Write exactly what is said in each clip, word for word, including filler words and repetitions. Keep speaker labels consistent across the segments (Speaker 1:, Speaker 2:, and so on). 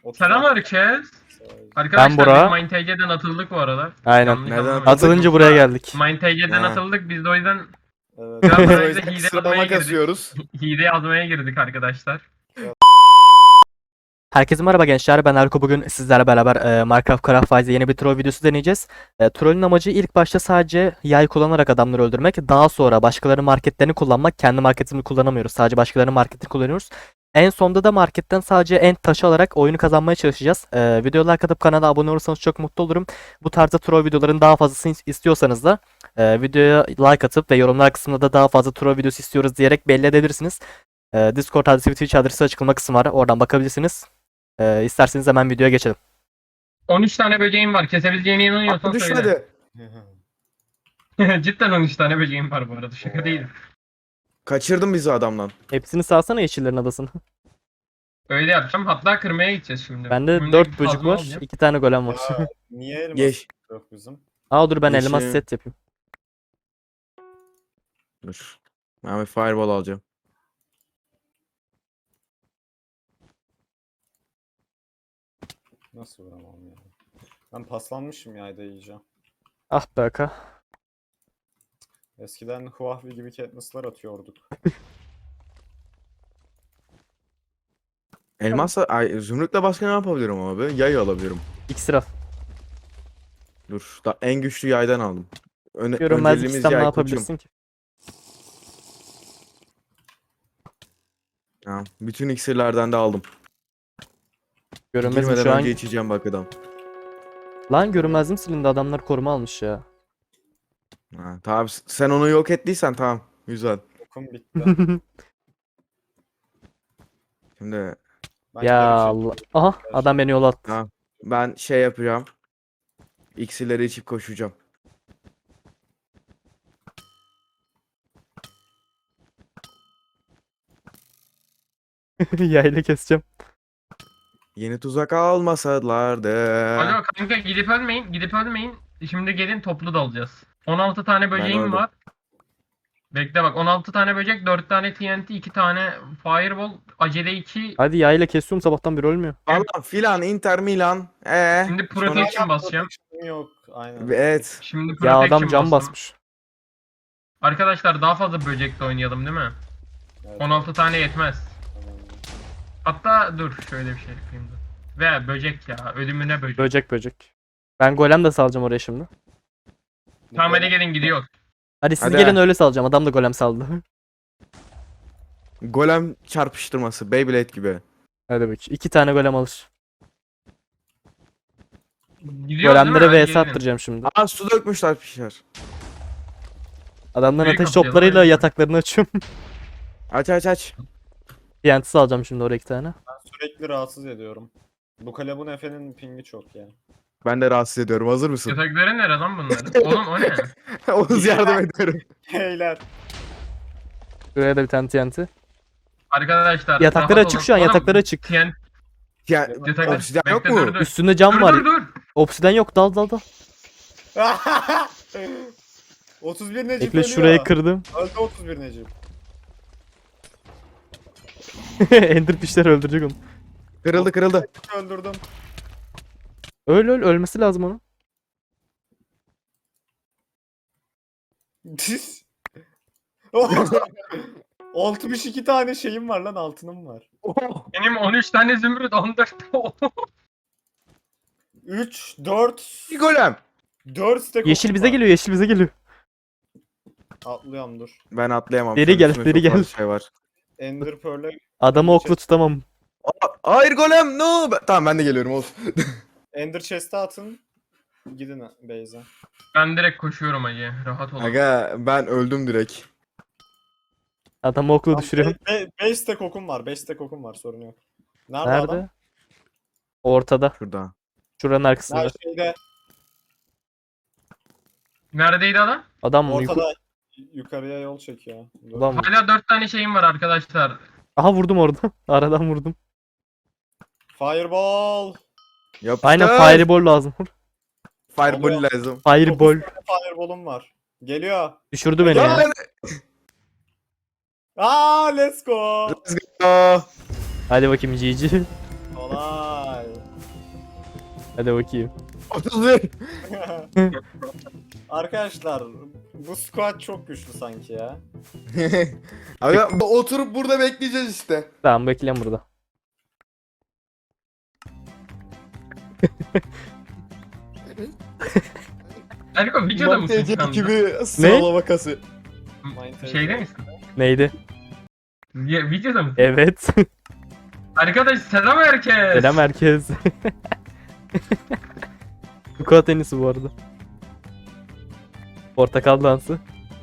Speaker 1: Selam herkes.
Speaker 2: Ben
Speaker 1: Arkadaşlar
Speaker 2: Bora.
Speaker 1: biz MindTG'den atıldık bu arada.
Speaker 2: Aynen.
Speaker 1: Yanlış
Speaker 3: Nereden
Speaker 1: anlamayın.
Speaker 2: Atılınca buraya geldik.
Speaker 1: MindTG'den
Speaker 3: Ha.
Speaker 1: atıldık biz de o yüzden
Speaker 4: Evet.
Speaker 1: biraz
Speaker 4: Biz o
Speaker 1: barajda
Speaker 4: yüzden
Speaker 1: hile
Speaker 4: sıralama
Speaker 1: yazmaya girdik.
Speaker 4: kasıyoruz.
Speaker 1: Hile yazmaya girdik arkadaşlar.
Speaker 2: Herkese merhaba gençler. Ben Erko. Bugün sizlerle beraber e, Minecraft Craft Fires'de yeni bir troll videosu deneyeceğiz. E, trollün amacı ilk başta sadece yay kullanarak adamları öldürmek. Daha sonra başkalarının marketlerini kullanmak. Kendi marketimizi kullanamıyoruz. Sadece başkalarının marketini kullanıyoruz. En sonunda da marketten sadece end taşı alarak oyunu kazanmaya çalışacağız. E, videoya like atıp kanala abone olursanız çok mutlu olurum. Bu tarzda troll videoların daha fazlasını istiyorsanız da e, videoya like atıp ve yorumlar kısmında da daha fazla troll videosu istiyoruz diyerek belli edebilirsiniz. E, Discord adresi ve Twitch adresi açıklama kısmı var. Oradan bakabilirsiniz. Ee, isterseniz hemen videoya geçelim.
Speaker 1: on üç tane böceğim var. Kesebileceğine inanıyorsan
Speaker 4: Atla
Speaker 1: söyle.
Speaker 4: düşmedi.
Speaker 1: Cidden on üç tane böceğim var bu arada. Şaka değil.
Speaker 4: Kaçırdın bizi adamdan.
Speaker 2: Hepsini salsana yeşillerin adasını.
Speaker 1: Öyle yapacağım. Hatta kırmaya gideceğiz şimdi.
Speaker 2: Bende
Speaker 1: Şimdi
Speaker 2: dört böcek
Speaker 1: kazma
Speaker 2: var.
Speaker 1: alacağım.
Speaker 2: iki tane golem var.
Speaker 4: Ya, niye elmas
Speaker 3: Geç.
Speaker 4: yok bizim?
Speaker 2: Aa dur ben
Speaker 3: Yeşil.
Speaker 2: elmas set yapayım.
Speaker 3: Dur. Ben bir fireball alacağım.
Speaker 4: Nasıl vuramam ya? Ben paslanmışım yayda yiyeceğim.
Speaker 2: Ah be aka.
Speaker 4: Eskiden Huawei gibi Katniss'lar atıyorduk.
Speaker 3: Elmasla, ay, zümrütle başka ne yapabilirim abi? Yay alabilirim.
Speaker 2: İksir al.
Speaker 3: Dur. Da en güçlü yaydan aldım. Öne,
Speaker 2: Görünmezlik
Speaker 3: önceliğimiz
Speaker 2: sistem ne
Speaker 3: yay
Speaker 2: yapabilirsin ki?
Speaker 3: koçum. Ha, bütün iksirlerden de aldım.
Speaker 2: Görünmezim
Speaker 3: Girmeden
Speaker 2: şu an.
Speaker 3: önce içeceğim bak adam.
Speaker 2: Lan görünmezlim silindi, adamlar koruma almış ya.
Speaker 3: Ha, tamam sen onu yok ettiysen tamam. Güzel.
Speaker 4: Okum bitti.
Speaker 3: Şimdi
Speaker 4: Ben
Speaker 2: Ya
Speaker 4: geri
Speaker 2: Allah.
Speaker 4: çekildim.
Speaker 2: Aha adam beni yola attı.
Speaker 3: ha, ben şey yapacağım. İksirleri içip koşacağım.
Speaker 2: Yayla keseceğim.
Speaker 3: Yeni tuzak almasalardı.
Speaker 1: Alo kanka gidip ölmeyin. Gidip ölmeyin. Şimdi gelin toplu dalacağız. on altı tane böceğim
Speaker 3: öldüm.
Speaker 1: var. Bekle bak on altı tane böcek, dört tane T N T, iki tane Fireball, acele iki.
Speaker 2: Hadi yayla kesiyorum, sabahtan beri ölmüyor.
Speaker 3: Falan filan Inter Milan. Ee,
Speaker 1: Şimdi
Speaker 3: sonra-
Speaker 1: protection basacağım.
Speaker 4: Protection yok. Aynen.
Speaker 3: Evet.
Speaker 1: Şimdi
Speaker 2: Ya
Speaker 1: protection
Speaker 2: adam cam
Speaker 1: bastım.
Speaker 2: basmış.
Speaker 1: Arkadaşlar daha fazla böcekle oynayalım değil mi?
Speaker 4: Evet,
Speaker 1: on altı tane yetmez.
Speaker 4: tamam.
Speaker 1: Hatta dur şöyle bir şey yapayım da. Ve böcek ya, ölümüne böcek.
Speaker 2: Böcek böcek. Ben golem de salacağım oraya şimdi.
Speaker 1: Tamam hadi gelin gidiyor.
Speaker 2: Hadi siz
Speaker 3: Hadi.
Speaker 2: gelin öyle salacağım. Adam da golem saldı.
Speaker 3: Golem çarpıştırması. Beyblade gibi.
Speaker 2: Hadi bak. İki tane golem alır.
Speaker 1: Gidiyor değil mi?
Speaker 2: Golemlere
Speaker 1: Hadi
Speaker 2: V S
Speaker 1: gelin.
Speaker 2: attıracağım şimdi.
Speaker 3: Aa su dökmüşler pişer.
Speaker 2: Adamların
Speaker 1: Büyük
Speaker 2: ateş
Speaker 1: kapıyı
Speaker 2: toplarıyla
Speaker 1: lan.
Speaker 2: yataklarını açıyorum.
Speaker 3: Aç aç aç.
Speaker 2: T N T salacağım şimdi oraya iki tane.
Speaker 4: Ben sürekli rahatsız ediyorum. Bu kalebun Efe'nin pingi çok ya.
Speaker 3: Ben de rahatsız ediyorum. Hazır mısın?
Speaker 1: Yatakları nere lan bunların? Oğlum o ne?
Speaker 3: Oğuz yardım ediyorum.
Speaker 4: Heyler.
Speaker 2: Şuraya da bir tane T N T.
Speaker 1: Arkadaşlar
Speaker 2: Yatakları
Speaker 1: rahat
Speaker 2: açık
Speaker 1: olun.
Speaker 2: şu an,
Speaker 1: Oğlum,
Speaker 2: yatakları açık.
Speaker 1: T N T
Speaker 3: Ya
Speaker 1: yatakları.
Speaker 3: obsidyen yok
Speaker 1: Bekle,
Speaker 3: mu?
Speaker 1: Dur dur.
Speaker 2: Üstünde cam
Speaker 1: Dur
Speaker 2: var.
Speaker 1: dur dur.
Speaker 2: Obsiden yok, dal dal dal.
Speaker 4: otuz bir Necip
Speaker 2: Bekle
Speaker 4: ölüyor.
Speaker 2: şurayı kırdım.
Speaker 4: Öldü otuz bir Necip.
Speaker 2: Enderfish'ler öldürecek onu.
Speaker 3: Kırıldı kırıldı.
Speaker 4: Öldürdüm.
Speaker 2: Öl öl, ölmesi lazım onun.
Speaker 4: altmış iki tane şeyim var lan, altınım var.
Speaker 1: Benim on üç tane zümrüt, on dört
Speaker 4: üç, dört,
Speaker 3: Bir golem.
Speaker 4: dört stack
Speaker 2: Yeşil
Speaker 4: okum
Speaker 2: bize
Speaker 4: var.
Speaker 2: geliyor, yeşil bize geliyor.
Speaker 4: Atlıyorum dur.
Speaker 3: Ben atlayamam.
Speaker 2: Deri
Speaker 3: Şöyle
Speaker 2: gel,
Speaker 3: üstüme
Speaker 2: deri
Speaker 3: çok fazla
Speaker 2: gel.
Speaker 3: Şey var.
Speaker 4: Ender Pearl'e
Speaker 2: Adamı okla tutamam.
Speaker 3: Aa, hayır golem no. Ben- tamam ben de geliyorum Oğuz.
Speaker 4: Ender Chest'e atın. Gidin base'e.
Speaker 1: Ben direkt koşuyorum hacı. Rahat olun.
Speaker 3: Aga ben öldüm direkt.
Speaker 2: Adamı okla düşürüyorum.
Speaker 4: beş stack okum var. beş stack okum var, sorun yok. Nerede, adam?
Speaker 2: Nerede? Ortada.
Speaker 3: Şurada.
Speaker 2: Şuranın arkasında.
Speaker 4: Her şeyde.
Speaker 1: Neredeydi adam?
Speaker 2: Adam mı? Yuka-
Speaker 4: Ortada yukarıya yol çekiyor. Dur.
Speaker 2: Adam mı?
Speaker 1: Hala dört tane şeyim var arkadaşlar.
Speaker 2: Aha vurdum orada. Aradan vurdum.
Speaker 4: Fireball.
Speaker 3: Yapıştır.
Speaker 2: Aynen fireball lazım.
Speaker 3: Fireball
Speaker 4: Oluyor.
Speaker 3: lazım.
Speaker 2: Fireball.
Speaker 4: dokuz tane Fireball'um var. Geliyor.
Speaker 2: Düşürdü beni
Speaker 3: Ya
Speaker 2: ya.
Speaker 3: ben...
Speaker 4: Aa, let's go.
Speaker 3: Let's go.
Speaker 2: Hadi bakayım G G.
Speaker 4: Kolay.
Speaker 2: Hadi bakayım.
Speaker 3: otuz bir.
Speaker 4: Arkadaşlar bu squad çok güçlü sanki ya.
Speaker 3: Aga oturup burada bekleyeceğiz işte.
Speaker 2: Tamam bekleyin burada.
Speaker 1: Erko videoda mısın
Speaker 3: Mantıcı
Speaker 1: şu anda?
Speaker 3: gibi sıralama kası.
Speaker 1: Şeyde misin?
Speaker 2: Neydi?
Speaker 1: Ya, videoda mısın?
Speaker 2: Evet.
Speaker 1: Arkadaş selam herkes.
Speaker 2: Selam herkes. Squat en iyisi bu arada. Portakal dansı.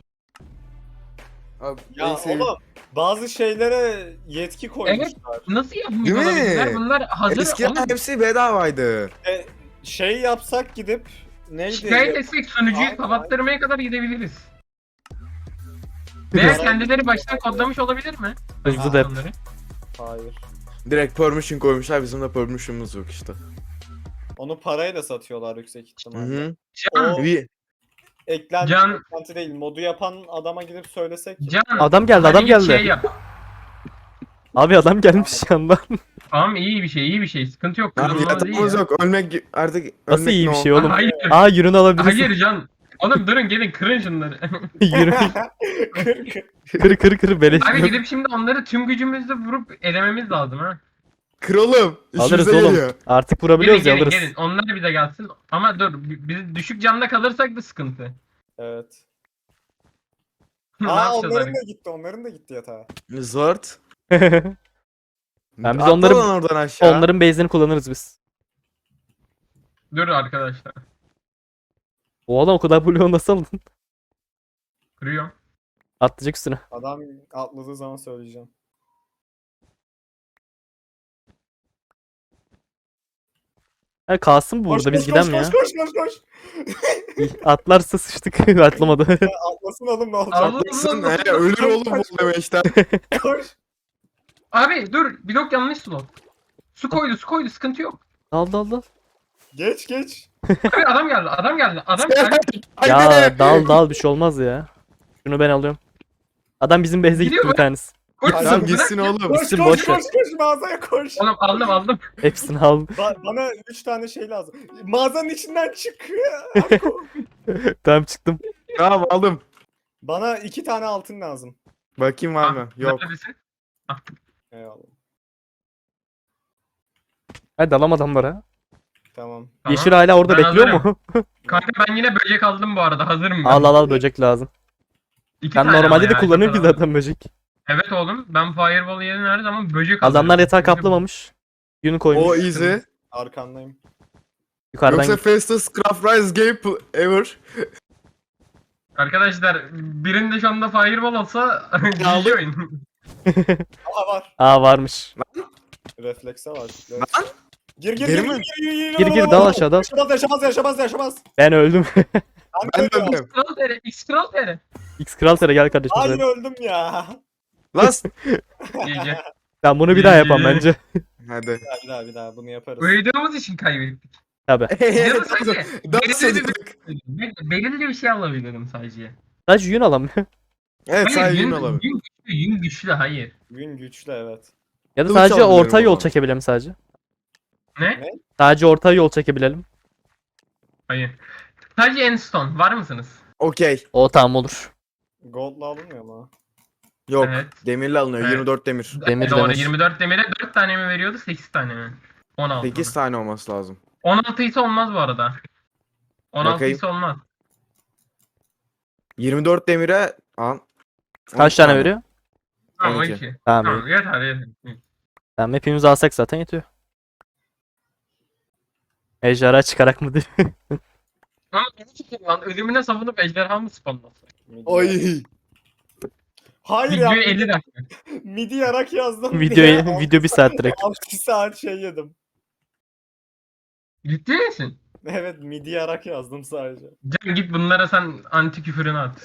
Speaker 3: Abi,
Speaker 4: Ya
Speaker 3: en sevdiğim-
Speaker 4: oğlum bazı şeylere yetki koymuşlar.
Speaker 1: Nasıl yapmış
Speaker 3: Değil mi?
Speaker 1: olabilirler? Bunlar hazır.
Speaker 3: Eskiden
Speaker 1: Oğlum,
Speaker 3: hepsi bedavaydı.
Speaker 4: E, şey yapsak gidip neydi?
Speaker 1: şikayet etsek sunucuyu
Speaker 4: Aynen,
Speaker 1: kapattırmaya kadar gidebiliriz. Veya
Speaker 4: Aynen.
Speaker 1: kendileri baştan kodlamış olabilir mi?
Speaker 2: Hızlı da yap.
Speaker 1: Onları.
Speaker 4: Hayır.
Speaker 3: Direkt permission koymuşlar, bizim de permission'ımız yok işte.
Speaker 4: Onu parayla satıyorlar yüksek
Speaker 3: Hı
Speaker 4: ihtimalle.
Speaker 3: hı.
Speaker 1: Can,
Speaker 4: O-
Speaker 3: Bir-
Speaker 4: Eklenti,
Speaker 1: Can-
Speaker 4: eklenti değil. Modu yapan adama gidip söylesek.
Speaker 1: Can.
Speaker 2: Adam geldi,
Speaker 1: hadi
Speaker 2: adam
Speaker 1: git
Speaker 2: geldi.
Speaker 1: Şey yap.
Speaker 2: Abi adam gelmiş yandan.
Speaker 1: Tamam iyi bir şey, iyi bir şey. Sıkıntı yok.
Speaker 3: Abi
Speaker 1: Kırılmaz değil
Speaker 3: yatağımız
Speaker 1: ya.
Speaker 3: yok. Ölmek artık
Speaker 2: Nasıl
Speaker 3: ölmek
Speaker 2: iyi
Speaker 3: ne
Speaker 2: bir
Speaker 3: o?
Speaker 2: şey oğlum?
Speaker 1: Hayır.
Speaker 2: Aa ürün alabilirsin.
Speaker 1: Hayır Can. Oğlum durun gelin kırın şunları.
Speaker 2: Yürü.
Speaker 4: Kır kır.
Speaker 2: Kır kır kır beleş.
Speaker 1: Abi gidip şimdi onları tüm gücümüzle vurup elememiz lazım ha.
Speaker 3: Kralım.
Speaker 2: Alırız
Speaker 3: işimize
Speaker 2: oğlum.
Speaker 3: geliyor.
Speaker 2: Artık
Speaker 1: Gelin
Speaker 2: vurabiliyoruz ya
Speaker 1: gelin
Speaker 2: alırız.
Speaker 1: gelin. Onlar bize gelsin. Ama dur bi- biz düşük canda kalırsak da sıkıntı.
Speaker 4: Evet.
Speaker 1: ne
Speaker 4: Aa
Speaker 1: yapacağız
Speaker 4: onların
Speaker 1: abi?
Speaker 4: da gitti. Onların da gitti yatağa.
Speaker 3: Zort.
Speaker 2: Ben biz
Speaker 3: Atla
Speaker 2: onları-
Speaker 3: lan oradan aşağı.
Speaker 2: Onların base'ini kullanırız biz.
Speaker 1: Dur arkadaşlar.
Speaker 2: O adam o kadar blue nasıl aldın?
Speaker 1: Kırıyorum.
Speaker 2: Atlayacak üstüne.
Speaker 4: Adam atladığı zaman söyleyeceğim.
Speaker 2: Ha, kalsın bu
Speaker 4: Koş,
Speaker 2: burada biz
Speaker 4: koş,
Speaker 2: gidelim ya.
Speaker 4: koş, koş koş koş koş.
Speaker 2: Atlarsa sıçtık. Atlamadı.
Speaker 4: Atlasın oğlum ne olacak?
Speaker 1: Allah
Speaker 3: Atlasın,
Speaker 1: Allah.
Speaker 3: he, ölür oğlum bu demeçten.
Speaker 4: Koş.
Speaker 1: Abi dur blok yanlış slot. Su koydu su koydu sıkıntı yok.
Speaker 2: Dal dal dal.
Speaker 4: Geç geç.
Speaker 1: Abi adam geldi adam geldi adam geldi.
Speaker 2: Ya dal dal bir şey olmaz ya. Şunu ben alıyorum. Adam bizim base'e gitti
Speaker 1: Gidiyor
Speaker 2: bir
Speaker 1: mu?
Speaker 2: tanesi.
Speaker 1: Koş,
Speaker 4: Tamam,
Speaker 3: Tamam
Speaker 1: bırak
Speaker 3: gitsin
Speaker 1: ya.
Speaker 3: oğlum.
Speaker 4: Koş
Speaker 2: Gitsin,
Speaker 4: koş
Speaker 2: boş
Speaker 4: koş
Speaker 2: ver.
Speaker 4: koş mağazaya koş.
Speaker 1: Oğlum aldım aldım.
Speaker 2: Hepsini al.
Speaker 4: Ba- bana üç tane şey lazım. Mağazanın içinden çık.
Speaker 2: Tamam çıktım.
Speaker 3: Tamam aldım.
Speaker 4: Bana iki tane altın lazım.
Speaker 3: Bakayım var mı?
Speaker 1: Ah,
Speaker 3: Yok.
Speaker 1: neredesin?
Speaker 4: Eyvallah.
Speaker 2: Hadi dalam adamlara.
Speaker 4: Tamam.
Speaker 1: Tamam.
Speaker 2: Yeşil hala orada
Speaker 1: Ben
Speaker 2: bekliyor
Speaker 1: hazırım.
Speaker 2: mu?
Speaker 1: Kanka ben yine böcek aldım bu arada hazırım ben.
Speaker 2: al al al böcek lazım.
Speaker 1: İki
Speaker 2: Ben
Speaker 1: tane
Speaker 2: normalde
Speaker 1: ama
Speaker 2: de
Speaker 1: ya,
Speaker 2: kullanıyorum ki
Speaker 1: çok adam.
Speaker 2: zaten böcek.
Speaker 1: Evet oğlum ben Fireball yerine her zaman böcek
Speaker 2: Adamlar
Speaker 1: alıyorum.
Speaker 2: yatağı kaplamamış. Yünü koymuş.
Speaker 3: O easy.
Speaker 4: Arkandayım.
Speaker 2: Yukarıdan
Speaker 3: Yoksa
Speaker 2: git.
Speaker 3: fastest craft rise game pl- ever.
Speaker 1: Arkadaşlar birinde şu anda Fireball olsa G G
Speaker 3: aldım.
Speaker 1: oyun.
Speaker 4: Aha var.
Speaker 2: Aa varmış.
Speaker 4: Reflekse var.
Speaker 3: Lan.
Speaker 4: Gir gir
Speaker 3: Geri
Speaker 4: gir,
Speaker 3: mi?
Speaker 4: gir gir gir
Speaker 2: Gir gir dal aşağı dal.
Speaker 4: Yaşamaz yaşamaz yaşamaz yaşamaz.
Speaker 2: Ben öldüm.
Speaker 3: Ben de
Speaker 4: ölüyorum.
Speaker 3: öldüm.
Speaker 1: Kral tere, X kral tere.
Speaker 2: X Kral Tere gel kardeşim.
Speaker 4: Hayır
Speaker 2: sen.
Speaker 4: öldüm ya.
Speaker 3: Lan.
Speaker 1: G G.
Speaker 2: Ben bunu bir daha yapam bence.
Speaker 3: Hadi.
Speaker 4: Bir daha bir daha bir daha bunu yaparız.
Speaker 1: Uyuduğumuz için kaybettik.
Speaker 2: Tabi.
Speaker 1: Ya da sadece
Speaker 3: Dans
Speaker 1: belirli
Speaker 3: ediyorduk.
Speaker 1: bir, belirli bir şey alabilirim sadece.
Speaker 2: Sadece yün alamıyor.
Speaker 3: Evet
Speaker 1: Hayır,
Speaker 3: sadece
Speaker 1: yün,
Speaker 3: yün alalım.
Speaker 1: yün güçlü, yün güçlü hayır.
Speaker 4: Gün güçlü evet.
Speaker 2: Ya da
Speaker 3: Kılıç
Speaker 2: sadece
Speaker 3: alabiliyorum
Speaker 2: orta
Speaker 3: o
Speaker 2: yol
Speaker 3: zaman.
Speaker 2: çekebilelim sadece.
Speaker 1: Ne?
Speaker 2: Sadece orta yol çekebilelim.
Speaker 1: Hayır. Sadece Endstone var mısınız?
Speaker 3: Okey.
Speaker 2: O tamam olur.
Speaker 4: Gold'la alınmıyor mu?
Speaker 3: Yok.
Speaker 1: Evet.
Speaker 3: Demirle alınıyor.
Speaker 1: Evet.
Speaker 3: yirmi dört demir.
Speaker 2: Demir,
Speaker 1: Doğru
Speaker 2: demir.
Speaker 1: yirmi dört demire dört tane mi veriyordu sekiz tane mi? on altı.
Speaker 3: sekiz tane olması lazım.
Speaker 1: on altı ise olmaz bu arada. on altı
Speaker 3: Bakayım.
Speaker 1: ise olmaz.
Speaker 3: yirmi dört demire al.
Speaker 2: Kaç tane veriyor?
Speaker 1: Tamam
Speaker 3: on
Speaker 1: o
Speaker 3: iki.
Speaker 1: iki.
Speaker 2: Tamam.
Speaker 1: Tamam yeter yeter.
Speaker 2: Tamam hepimiz alsak zaten yetiyor. Ejderha çıkarak mı diyor.
Speaker 1: Ama beni çekin lan ölümüne savunup ejderha mı spawnlasın?
Speaker 4: Midi.
Speaker 3: Ay.
Speaker 4: Hayır ya.
Speaker 1: Videoyu elli dakika.
Speaker 4: Midi yarak yazdım.
Speaker 2: Videoyu,
Speaker 4: diye
Speaker 2: video bir saat direkt.
Speaker 4: altı saat şey yedim.
Speaker 1: Ciddi misin?
Speaker 4: Evet midi yarak yazdım sadece.
Speaker 1: Can git bunlara sen anti küfürünü at.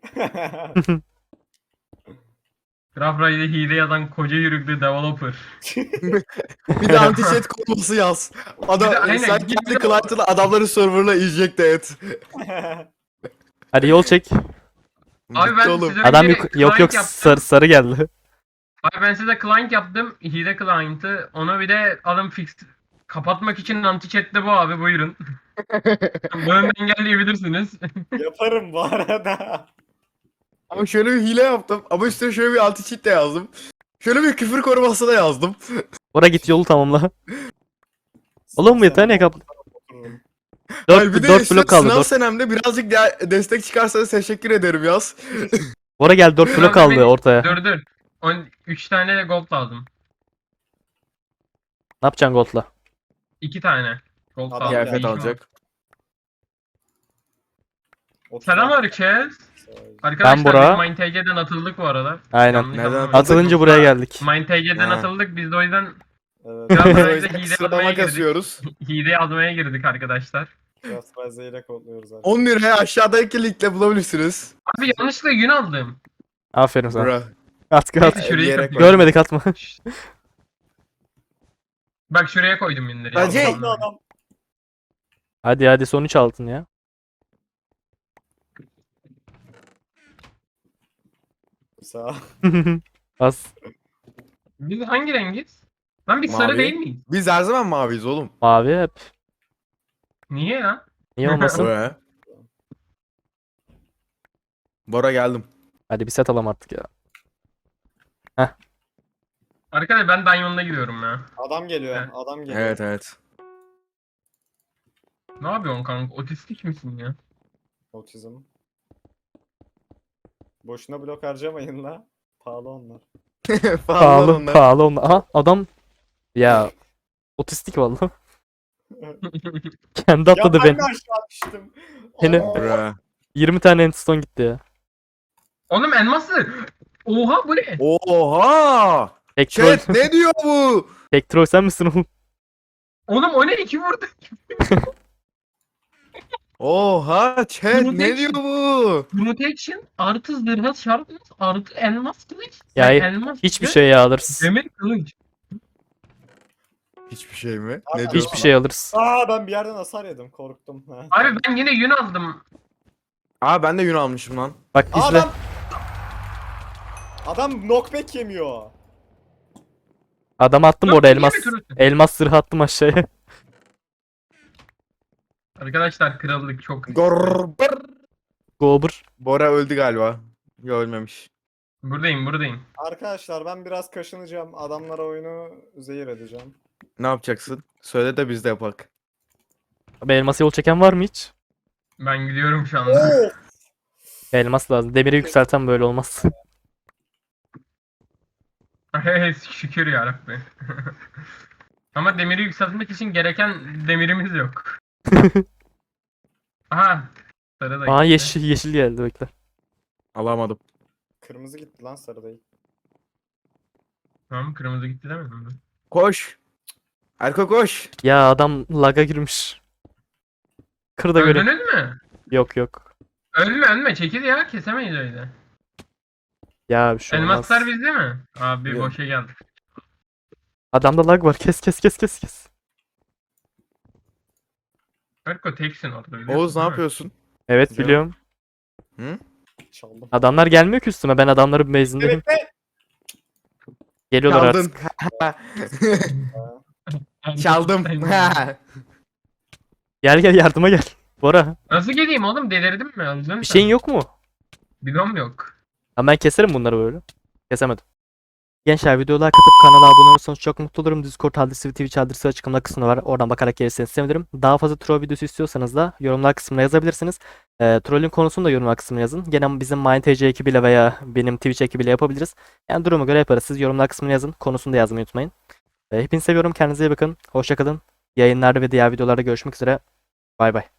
Speaker 1: Graf Ride'e hile yazan koca yürüklü developer.
Speaker 3: Bir de anti-chat konusu yaz. Adam,
Speaker 1: Bir de aynen,
Speaker 3: sen
Speaker 1: bir de-
Speaker 3: kendi client'ını adamların server'la injecte et.
Speaker 2: Hadi yol çek.
Speaker 1: Abi ben
Speaker 3: Bitti oğlum.
Speaker 1: size
Speaker 2: Adam
Speaker 1: bir
Speaker 2: yok yok yok
Speaker 1: client yaptım.
Speaker 2: sarı, sarı geldi.
Speaker 1: Abi ben size client yaptım. Hile client'ı. Ona bir de alın fix Kapatmak için anti-chat'te bu abi, buyurun. Bunu da engelleyebilirsiniz.
Speaker 4: Yaparım bu arada.
Speaker 3: Ama şöyle bir hile yaptım. Ama üstüne şöyle bir anti cheat de yazdım. Şöyle bir küfür koruması da yazdım.
Speaker 2: Bora git yolu tamamla. Oğlum bir tane kap.
Speaker 4: Otururum.
Speaker 3: Hayır, bir
Speaker 2: dört
Speaker 3: de
Speaker 2: dört
Speaker 3: üstüne
Speaker 2: blok kaldı.
Speaker 3: sınav
Speaker 2: dört.
Speaker 3: senemde birazcık de- destek çıkarsanız teşekkür ederim yaz.
Speaker 2: Bora gel dört blok
Speaker 1: Biraz
Speaker 2: kaldı
Speaker 1: bir-
Speaker 2: ortaya.
Speaker 1: Dur dur. üç tane gold lazım.
Speaker 2: Ne yapacaksın Gold'la?
Speaker 1: iki tane. Gold
Speaker 4: Adam
Speaker 1: lazım.
Speaker 4: geldi.
Speaker 3: Kıyafet
Speaker 1: Değişim
Speaker 3: alacak.
Speaker 4: Otuz
Speaker 1: Selam
Speaker 4: altı.
Speaker 1: herkes.
Speaker 4: Sağ ol.
Speaker 1: Arkadaşlar
Speaker 2: Bora.
Speaker 1: biz MindTG'den atıldık bu arada.
Speaker 2: Aynen.
Speaker 1: Yanlış
Speaker 3: Neden
Speaker 1: anlamayın.
Speaker 2: Atılınca buraya geldik.
Speaker 1: MindTG'den
Speaker 3: Ha.
Speaker 1: atıldık. Biz de o yüzden
Speaker 4: Evet.
Speaker 1: Biraz
Speaker 3: Biz o
Speaker 1: böyle
Speaker 3: yüzden
Speaker 1: hile
Speaker 3: sıralama
Speaker 1: yazmaya girdik.
Speaker 3: kasıyoruz.
Speaker 1: hile yazmaya girdik arkadaşlar.
Speaker 4: Craft Rise'ı ile kodluyoruz abi.
Speaker 3: on liraya aşağıdaki linkle bulabilirsiniz.
Speaker 1: Abi yanlışlıkla yün aldım.
Speaker 2: Aferin sana.
Speaker 3: Bra.
Speaker 2: At at.
Speaker 1: Neyse şuraya
Speaker 3: diyerek
Speaker 1: koydum.
Speaker 2: Görmedik atma.
Speaker 1: Bak şuraya koydum yünleri.
Speaker 3: Hacı.
Speaker 1: yanlış
Speaker 4: Adam,
Speaker 1: anlamayın.
Speaker 4: adam.
Speaker 2: Hadi hadi son üç altın ya.
Speaker 4: Sağ ol.
Speaker 2: Az.
Speaker 1: Biz hangi rengiz? Lan biz
Speaker 3: Mavi.
Speaker 1: sarı değil miyiz?
Speaker 3: Biz her zaman maviyiz oğlum.
Speaker 2: Mavi hep.
Speaker 1: Niye ya?
Speaker 2: Niye olmasın?
Speaker 3: Bra. Bora geldim.
Speaker 2: Hadi bir set alalım artık ya.
Speaker 1: Arkadaşlar ben Diamond'a gidiyorum ya.
Speaker 4: Adam geliyor.
Speaker 1: Evet.
Speaker 4: Adam geliyor.
Speaker 3: Evet evet.
Speaker 1: Ne yapıyorsun kanka? Otistik misin ya?
Speaker 4: Otizm. Boşuna blok harcamayın la. Pahalı onlar.
Speaker 2: Pahalı
Speaker 3: onlar.
Speaker 2: pahalı onlar. Aha adam. Ya. Otistik vallahi. Kendi atladı
Speaker 4: ya ben
Speaker 2: beni.
Speaker 4: de aşağı düştüm.
Speaker 2: Yine-
Speaker 4: Aa,
Speaker 3: Bra.
Speaker 2: yirmi tane endstone gitti ya.
Speaker 1: Oğlum elması. Oha bu ne?
Speaker 3: Oha!
Speaker 2: Tek troll,
Speaker 3: Chat ne diyor bu?
Speaker 2: tek troll sen misin oğlum?
Speaker 1: Oğlum o ne? İki vurdu.
Speaker 3: Oha chat
Speaker 1: Bunu
Speaker 3: ne
Speaker 1: tek-
Speaker 3: diyor bu?
Speaker 1: Protection artı zırhlı şarpness artı elmas kılıç.
Speaker 2: Ya,
Speaker 1: Yani elmas
Speaker 2: Hiçbir
Speaker 1: ve
Speaker 2: şey ya alırız.
Speaker 1: Demir kılıç.
Speaker 3: Hiçbir şey mi?
Speaker 4: Abi,
Speaker 3: Ne diyor?
Speaker 2: Hiçbir şey alırız.
Speaker 4: Aa ben bir yerden hasar yedim. Korktum. Ha.
Speaker 1: Abi ben yine yün aldım.
Speaker 3: Aa ben de yün almışım lan.
Speaker 2: Bak
Speaker 4: Aa,
Speaker 2: izle.
Speaker 4: adam. Adam knockback yemiyor.
Speaker 2: Adam attım
Speaker 1: Yok,
Speaker 2: orada
Speaker 1: niye
Speaker 2: elmas.
Speaker 1: götürürsün?
Speaker 2: Elmas zırhı attım aşağıya.
Speaker 1: Arkadaşlar krallık çok.
Speaker 3: Gorbır.
Speaker 2: Gober.
Speaker 3: Bora öldü galiba. Yok ölmemiş.
Speaker 1: Buradayım buradayım.
Speaker 4: Arkadaşlar ben biraz kaşınacağım. Adamlara oyunu zehir edeceğim.
Speaker 3: Ne yapacaksın? Söyle de biz de yapak.
Speaker 2: Abi elmas yol çeken var mı hiç?
Speaker 1: Ben gidiyorum şu anda.
Speaker 4: Oo!
Speaker 2: Elmas lazım. Demiri yükselten böyle olmaz.
Speaker 1: Şükür yarabbim. Ama demiri yükseltmek için gereken demirimiz yok. Aha. Sarı da
Speaker 2: Aa
Speaker 1: gitti.
Speaker 2: yeşil yeşil geldi bekle.
Speaker 3: Alamadım.
Speaker 4: Kırmızı gitti lan sarı değil.
Speaker 1: Tamam kırmızı gitti demedim mi?
Speaker 3: Koş. Erko koş.
Speaker 2: Ya adam laga girmiş. Kır da göre.
Speaker 1: Öldünüz mü?
Speaker 2: Yok yok.
Speaker 1: Ölme ölme çekil ya kesemeyiz öyle.
Speaker 2: Ya bir şey olmaz.
Speaker 1: Elmaslar bizde mi? Abi
Speaker 3: Yok.
Speaker 1: boşa geldi.
Speaker 2: Adamda lag var. Kes kes kes kes kes.
Speaker 1: Erko teksin orada. biliyorsun
Speaker 3: Oğuz ne
Speaker 1: değil mi?
Speaker 3: yapıyorsun?
Speaker 2: Evet
Speaker 3: Güzel.
Speaker 2: biliyorum.
Speaker 3: Hı?
Speaker 4: Çaldım.
Speaker 2: Adamlar gelmiyor ki üstüme. Ben adamların base'indeyim.
Speaker 4: Evet be.
Speaker 2: Geliyorlar
Speaker 3: Çaldın.
Speaker 2: artık.
Speaker 3: Çaldım.
Speaker 2: Gel gel yardıma gel. Bora.
Speaker 1: Nasıl geleyim oğlum delirdim mi? Öldün
Speaker 2: Bir şeyin yok mu?
Speaker 1: Bidon yok.
Speaker 2: Ha ben keserim bunları böyle. Kesemedim. Gençler videolar katıp kanala abone olursanız çok mutlu olurum. Discord adresi ve Twitch adresi açıklama kısmında var. Oradan bakarak gelirseniz sevinirim. Daha fazla troll videosu istiyorsanız da yorumlar kısmına yazabilirsiniz. E, trollün konusunu da yorumlar kısmına yazın. Gene bizim MindTG ekibiyle veya benim Twitch ekibiyle yapabiliriz. Yani duruma göre yaparız. Siz yorumlar kısmına yazın. Konusunu da yazmayı unutmayın. E, hepinizi seviyorum. Kendinize iyi bakın. Hoşça kalın. Yayınlarda ve diğer videolarda görüşmek üzere. Bay bay.